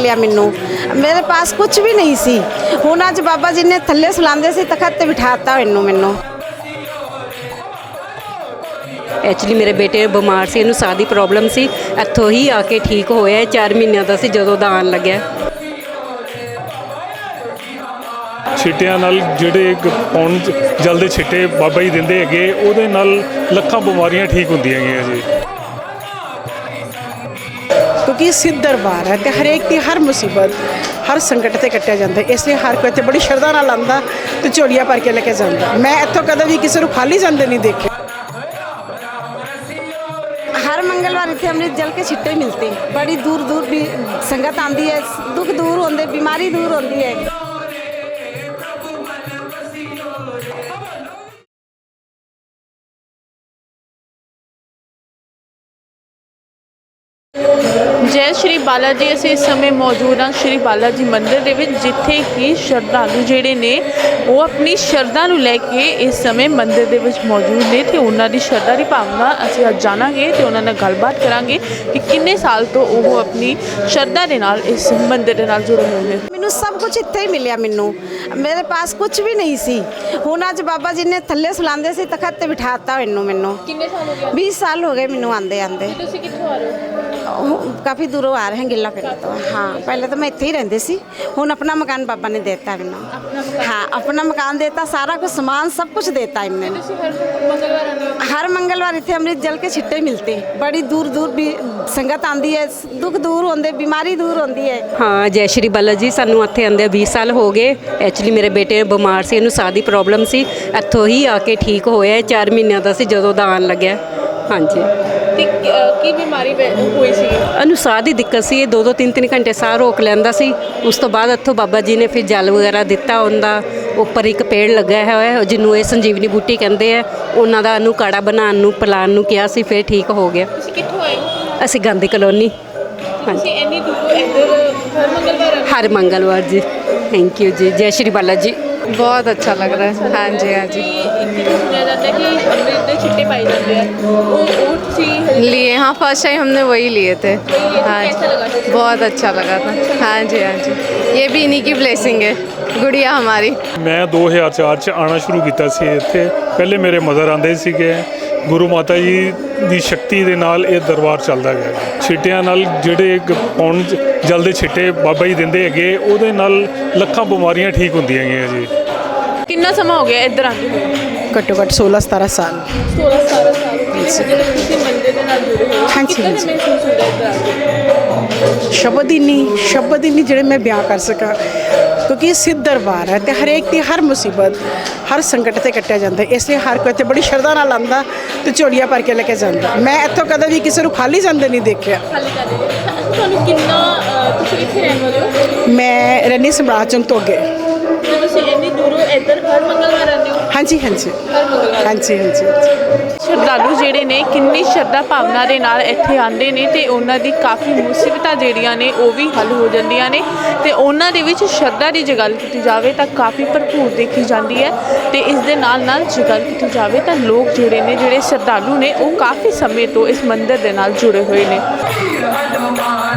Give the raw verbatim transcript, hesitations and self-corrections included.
मिलिया मैनू। मेरे पास कुछ भी नहीं सी। हुण अज बाबा जी ने थल्ले सुलांदे सी तखत ते बिठाता मैनू मैनू ਐਕਚੁਅਲੀ ਮੇਰੇ ਬੇਟੇ ਬਿਮਾਰ ਸੀ, ਇਹਨੂੰ ਸਾਹ ਦੀ ਪ੍ਰੋਬਲਮ ਸੀ। ਇੱਥੋਂ ਹੀ ਆ ਕੇ ਠੀਕ ਹੋਇਆ। ਚਾਰ ਮਹੀਨਿਆਂ ਦਾ ਸੀ ਜਦੋਂ ਦਾ ਆਉਣ ਲੱਗਿਆ। ਛਿੱਟਿਆਂ ਨਾਲ ਜਿਹੜੇ ਪਾਉਣ ਜਲਦੇ ਛਿੱਟੇ ਬਾਬਾ ਜੀ ਦਿੰਦੇ ਹੈਗੇ, ਉਹਦੇ ਨਾਲ ਲੱਖਾਂ ਬਿਮਾਰੀਆਂ ਠੀਕ ਹੁੰਦੀਆਂ ਹੈਗੀਆਂ ਜੀ। क्योंकि सिद्ध दरबार है तो हरेक की हर मुसीबत हर संकट से कट्टिया जाता है, इसलिए हर कोई इत्थे बड़ी श्रद्धा नाल आंदा ते झोलियां भर के लेके जाता। मैं इत्थों कदे भी किसी को खाली जाते नहीं देखे। हर मंगलवार इतने अमृत जल के छिट्टे मिलते। बड़ी दूर दूर भी संगत आती है, दुख दूर होंदे, बीमारी दूर होती है। जय श्री बाला जी। असीं इस समय मौजूद हाँ श्री बाला जी मंदिर दे विच, जिथे कि श्रद्धालु जिहड़े ने वो अपनी श्रद्धा नूं लैके इस समय मंदिर दे विच मौजूद ने ते उन्हां दी श्रद्धा दी भावना असीं अज जाणांगे ते उन्हां नाल गलबात करांगे कि किन्ने साल तो वो अपनी श्रद्धा दे नाल इस मंदिर दे नाल जुड़े हुए हैं। मैनू सब कुछ इत्थे ही मिलिया मैनू। मेरे पास कुछ भी नहीं सी। हुण अज बाबा जी ने थल्ले सुलांदे सी तखत ते बिठाता मैनू मैनू किन्ने साल हो गए? बीस साल हो गए मैनू आंदे आंदे। तुसीं कित्थों आ रहे हो? काफ़ी दूरों आ रहे हैं गिला पिंड तो। हाँ पहले तो मैं इत्थे ही रहंदी सी, हुण अपना मकान बाबा ने देता मैनू। हाँ अपना मकान देता, सारा कुछ सामान सब कुछ देता इन्हें। तुसीं हर मंगलवार आते हो? हर मंगलवार इतने अमृत जल के छिट्टे मिलते। बड़ी दूर दूर भी संगत आती है, दुख दूर होंदे, बीमारी दूर होती है। ਹਾਂ ਜੈ ਸ਼੍ਰੀ ਬਾਲਾ ਜੀ। ਸਾਨੂੰ ਇੱਥੇ ਆਉਂਦੇ ਵੀਹ ਸਾਲ ਹੋ ਗਏ। ਐਕਚੁਅਲੀ ਮੇਰੇ ਬੇਟੇ ਬਿਮਾਰ ਸੀ, ਇਹਨੂੰ ਸਾਹ ਦੀ ਪ੍ਰੋਬਲਮ ਸੀ। ਇੱਥੋਂ ਹੀ ਆ ਕੇ ਠੀਕ ਹੋਇਆ। ਚਾਰ ਮਹੀਨਿਆਂ ਦਾ ਸੀ ਜਦੋਂ ਦਾ ਆਉਣ ਲੱਗਿਆ। ਹਾਂਜੀ। ਤੇ ਕੀ ਬਿਮਾਰੀ ਹੋਈ ਸੀ? ਇਹਨੂੰ ਸਾਹ ਦੀ ਦਿੱਕਤ ਸੀ। ਇਹ ਦੋ ਦੋ ਤਿੰਨ ਤਿੰਨ ਘੰਟੇ ਸਾਹ ਰੋਕ ਲੈਂਦਾ ਸੀ। ਉਸ ਤੋਂ ਬਾਅਦ ਇੱਥੋਂ ਬਾਬਾ ਜੀ ਨੇ ਫਿਰ ਜਲ ਵਗੈਰਾ ਦਿੱਤਾ। ਉਹਦਾ ਉੱਪਰ ਇੱਕ ਪੇੜ ਲੱਗਾ ਹੋਇਆ ਹੈ ਜਿਹਨੂੰ ਇਹ ਸੰਜੀਵਨੀ ਬੂਟੀ ਕਹਿੰਦੇ ਆ। ਉਹਨਾਂ ਦਾ ਇਹਨੂੰ ਕਾੜਾ ਬਣਾਉਣ ਨੂੰ ਪਿਲਾਉਣ ਨੂੰ ਕਿਹਾ ਸੀ, ਫਿਰ ਠੀਕ ਹੋ ਗਿਆ। ਤੁਸੀਂ ਕਿੱਥੋਂ ਆਏ ਹੋ? ਅਸੀਂ ਗਾਂਧੀ ਕਲੋਨੀ। ਹਾਂਜੀ ਤੁਸੀਂ ਇੰਨੀ ਦੂਰੋਂ ਇੱਧਰ ਹਰ ਮੰਗਲਵਾਰ ਆਏ ਹੋ? ਹਰ ਮੰਗਲਵਾਰ ਜੀ। ਥੈਂਕ ਯੂ ਜੀ। ਜੈ ਸ਼੍ਰੀ ਬਾਲਾ ਜੀ। बहुत अच्छा लग रहा है। हाँ जी हाँ जी। ਇੱਕ ਸੁਣਿਆ ਜਾਂਦਾ ਕਿ ਅੰਮ੍ਰਿਤ ਦੇ ਛਿੱਟੇ ਪਾਏ ਜਾਂਦੇ ਆ, ਉਹ ਉਹ ਤੁਸੀਂ लिए हाँ फर्स्ट टाइम हमने वही लिए थे। हाँ कैसा लगा था? बहुत अच्छा लगा था। हाँ जी हाँ जी। ये भी इन्हीं की ब्लेसिंग है, गुड़िया हमारी। ਮੈਂ ਦੋ ਹਜ਼ਾਰ ਚਾਰ 'ਚ ਆਉਣਾ ਸ਼ੁਰੂ ਕੀਤਾ ਸੀ ਇੱਥੇ। ਪਹਿਲੇ ਮੇਰੇ ਮਦਰ ਆਉਂਦੇ ਸੀਗੇ। ਗੁਰੂ ਮਾਤਾ ਜੀ ਦੀ ਸ਼ਕਤੀ ਦੇ ਨਾਲ ਇਹ ਦਰਬਾਰ ਚੱਲਦਾ ਗਿਆ। ਛਿੱਟਿਆਂ ਨਾਲ ਜਿਹੜੇ ਪਾਉਣ ਜਲਦੇ ਛਿੱਟੇ ਬਾਬਾ ਜੀ ਦਿੰਦੇ ਹੈਗੇ, ਉਹਦੇ ਨਾਲ ਲੱਖਾਂ ਬਿਮਾਰੀਆਂ ਠੀਕ ਹੁੰਦੀਆਂ ਹੈਗੀਆਂ ਜੀ। ਕਿੰਨਾ ਸਮਾਂ ਹੋ ਗਿਆ ਇੱਧਰ ਆਉਂਦੇ ਹੋਏ? घट्टो घट्ट सोलह सतारह साल। सोलह सतारह साल हो गए। ਜਦੋਂ ਤੁਸੀਂ ਮੰਦਿਰ ਦੇ ਨਾਲ ਜੁੜੇ ਹੋ, ਹਾਂਜੀ, ਕਿੱਦਾਂ ਦਾ ਹਾਂਜੀ। ਮਹਿਸੂਸ ਹੁੰਦਾ ਇੱਧਰ ਆ ਕੇ? शब्द ही नहीं शब्द ही नहीं जिहड़े मैं बयान कर सका, क्योंकि सिद्ध दरबार है तो हरेक की हर मुसीबत हर संकट से कट्टिया जाता है, इसलिए हर कोई इत्थे बड़ी श्रद्धा नाल आंदा ते झोलियां भर के लेके जाता। मैं इत्थों कदे भी किसी को खाली जाते नहीं देखा। ਖਾਲੀ ਕਰ ਦਿੰਦੇ ਤੁਹਾਨੂੰ ਕਿੰਨਾ ਅ, ਤੁਸੀਂ ਕਿੱਥੇ ਰਹਿਣ ਵਾਲੇ ਹੋ? मैं रहनी सम्राट चौक तो अगे। ਤੇ ਤੁਸੀਂ ਇੰਨੀ ਦੂਰੋਂ ਇੱਧਰ ਹਰ ਮੰਗਲਵਾਰ ਆਉਂਦੇ ਹੋ? हाँ जी हाँ जी ਹਰ ਮੰਗਲਵਾਰ। हाँ जी हाँ जी। ਸ਼ਰਧਾਲੂ ਜਿਹੜੇ ਨੇ ਕਿੰਨੀ ਸ਼ਰਧਾ ਭਾਵਨਾ ਦੇ ਨਾਲ ਇੱਥੇ ਆਉਂਦੇ ਨੇ ਤੇ ਉਹਨਾਂ ਦੀ ਕਾਫੀ ਮੁਸੀਬਤਾਂ ਜਿਹੜੀਆਂ ਨੇ ਉਹ ਵੀ ਹੱਲ ਹੋ ਜਾਂਦੀਆਂ ਨੇ ਤੇ ਉਹਨਾਂ ਦੇ ਵਿੱਚ ਸ਼ਰਧਾ ਦੀ ਜੇ ਗੱਲ ਕੀਤੀ ਜਾਵੇ ਤਾਂ ਕਾਫੀ ਭਰਪੂਰ ਦੇਖੀ ਜਾਂਦੀ ਹੈ। ਤੇ ਇਸ ਦੇ ਨਾਲ ਨਾਲ ਜੇ ਗੱਲ ਕੀਤੀ ਜਾਵੇ ਤਾਂ ਲੋਕ ਜਿਹੜੇ ਨੇ ਜਿਹੜੇ ਸ਼ਰਧਾਲੂ ਨੇ ਉਹ ਕਾਫੀ ਸਮੇਂ ਤੋਂ ਇਸ ਮੰਦਿਰ ਦੇ ਨਾਲ ਜੁੜੇ ਹੋਏ ਨੇ।